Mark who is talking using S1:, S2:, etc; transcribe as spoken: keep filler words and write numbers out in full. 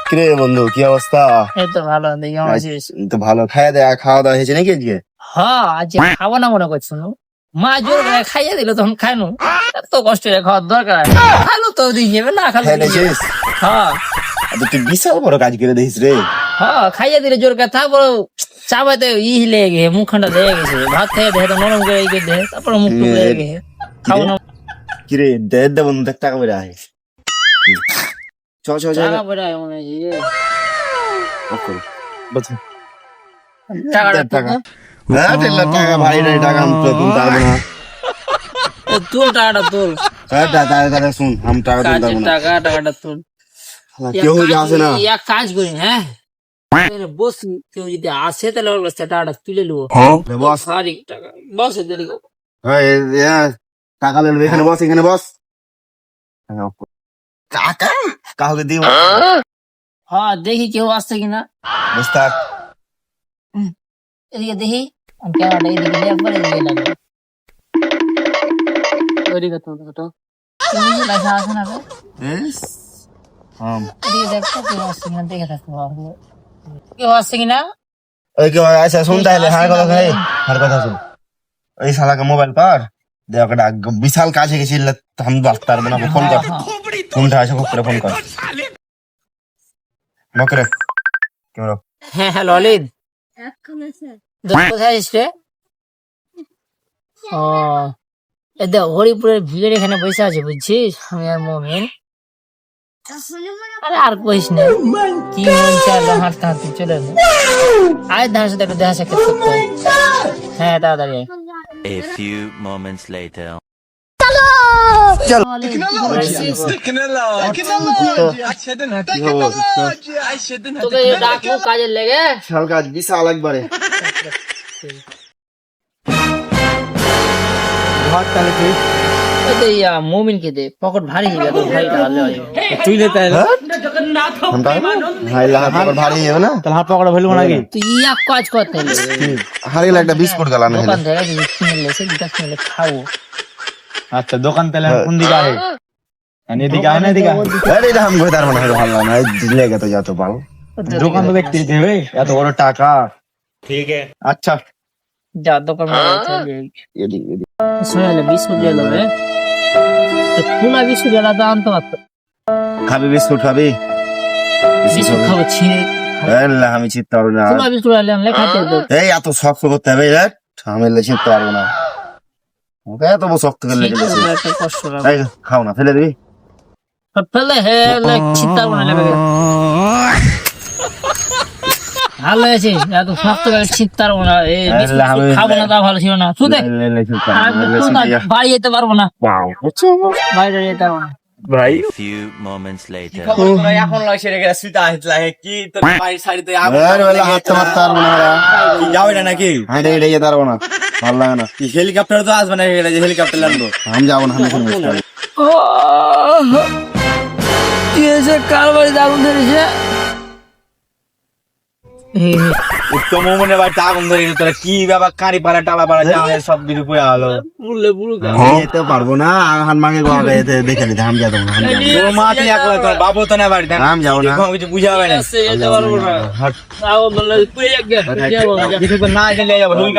S1: কিরে বন্ধু কি অবস্থা?
S2: এই তো ভালো, দেখি কেমন আছিস?
S1: তো ভালো। খাওয়া দাওয়া খাওয়া দাওয়া হয়েছে নাকি আজকে?
S2: হ্যাঁ, আজ খাবো না মনে করছো? মা জোর করে খাইয়ে দিল, তখন খাইনো। এত কষ্ট করে খাওয়ার দরকার, খাইলো তো দিয়ে যাবে, না খাইলো
S1: খাই নিয়েছিস?
S2: হ্যাঁ
S1: তুই বিশাল বড় কাজ করে দিস রে।
S2: হ্যাঁ, খাইয়ে দিলে জোর করে, তারপর চাবাইতে ই লেগে গেছে, মুখখানটা লেগে গেছে, ভাত খেয়ে দেখে তো নরম করে এই করে দেখে, তারপর মুখ টুক লেগে গেছে, খাবো না।
S1: কিরে দে দে বন্ধু, দেখ টাকা বেড়ে আয়। চ চ চ
S2: টাকা পয়সা মনে হয় যে
S1: অফ করো। বলছি
S2: টাকাটা
S1: টাকা হ্যাঁ টেলা টাকা ভাই রে, টাকা আমি তো তুলতে পারবো না।
S2: তুল, টাকাটা তুল,
S1: হ্যাঁ টাকা টাকা শুন, আমি টাকা তুলতে
S2: কাজের
S1: পারবো না।
S2: টাকা, টাকাটা তুল।
S1: কেউ যদি আসে না,
S2: এক কাজ করি, হ্যাঁ বস, কেউ যদি আসে তাহলে ওর কাছে টাকাটা তুলে নেবো।
S1: বস
S2: সারি টাকা বস, দেরি করো।
S1: টাকা নেবে এখানে, বস এখানে বস। টাকা কাউকে দিব?
S2: হ্যাঁ, দেখি কেউ আসছে কিনা।
S1: বুঝতে
S2: এদিকে দেখি, আমি ক্যামেরাটা এদিকে দিয়ে একবার এদিকে লাগবে। ওইদিকে তো তো কেউ যদি লেখা আছে না রে, এদিকে দেখো কেউ আসছে কিনা, দেখে থাকতে হবে। কেউ আসছে কিনা?
S1: ওই কেউ আচ্ছা শুন তাহলে, হার কথা ভাই, হার কথা শুন। ওই শালাকে মোবাইল পার দেখ, একটা বিশাল কাজ হয়ে গেছিল, আমি বাঁচতে পারবো না। ফোন কর, ফোনটা আছে খুব করে ফোন কর বকরে কেমন?
S2: হ্যাঁ হ্যাঁ, ললিত কোথায় আসছে? ও এ দেখ, হরিপুরের ভিড়ের এখানে বসে আছে, বুঝছিস? আমি আর মমিন। আরে আর কইস না, কি মন চাইলো হাঁটতে হাঁটতে চলে এলো। আয় ধার সাথে একটু দেখা সাক্ষাৎ করতে। হ্যাঁ তাড়াতাড়ি আয়।
S3: A few moments later.
S2: তোকে ডাকবো কাজের লেগে।
S1: বিশাল কাজ, বিশাল একবারে।
S2: মোমিনকে দে, পকেট ভারী হয়ে গেল, ভারী তুই
S1: ভারী যাবে না,
S4: তাহলে হাত পকড়া ফেলবো নাকি?
S2: তুই এক কাজ করতে
S1: হারিয়ে একটা বিস্কুট গালানো
S2: দোকান থেকে যদি কিনে লেছে দুটা কিনে খাবো।
S4: আচ্ছা দোকান তাহলে কোন দিকে আহে? এদিকে আয় না এদিকে?
S1: আমি বই তার মনে হয় ভালো না, দিলে গেতো যত পাল।
S4: দোকান তো দেখতে দিতে হবে, এত বড় টাকা। ঠিক আছে আচ্ছা
S2: যা দোকান শুনে বিস্কুট দিয়ে দেবে, খোলা বিস্কুট এলা তো আনতে পারতো।
S1: খাবি বিস্কুট খাবি?
S2: বিস্কুট খাবো ছিঁড়ে,
S1: আমি চিনতে পারবো না।
S2: খোলা বিস্কুট আনলে খাতে হতো।
S1: এই এত শক্ত করতে হবে, আমি চিনতে পারবো না। ওকে এত শক্ত করলে
S2: একটা কষ্ট লাগে।
S1: খাও না, ফেলে দিবি?
S2: ফেলে হে চিন্তা করবো না, ভালো হয়েছে, এত শক্ত করে চিন্তা করবো না। খাবো না, তা ভালো ছিল না। শুধু বাড়ি যেতে পারবো না, বাইরে যেতে পারবো না।
S3: A few moments later.
S4: এখন লাগছে রে সুতা হিতলা কি তোর বাড়ির সাইডে
S1: হাঁটতে মারতে পারবো না,
S4: যাবে না নাকি?
S1: হাঁটে হেঁটে যেতে পারবো না, ভালো লাগে না।
S4: হেলিকপ্টার তো আসবে না, হেলিকপ্টার লাগবে।
S1: আমি যাবো না,
S2: কি হয়েছে? কার বাড়িতে আগুন ধরেছে?
S4: উত্তম মনে বাড়িতে আগুন ধরে তোরা কি ব্যাপার? কারি পাড়া টালা পাড়া সব কিছু পড়ে গেলো।
S2: বুঝলে বুড়ো
S1: যেতে পারবো না, হান মাকে দেখে নিতে আমি যাবো না।
S4: তোর মা তুই একলা, তোর বাবু তো না বাড়িতে,
S1: আমি যাবো না,
S4: কিছু বুঝা হবে না।
S2: যেতে পারবো না, না গেলে
S4: কিছু না গেলে যাবো।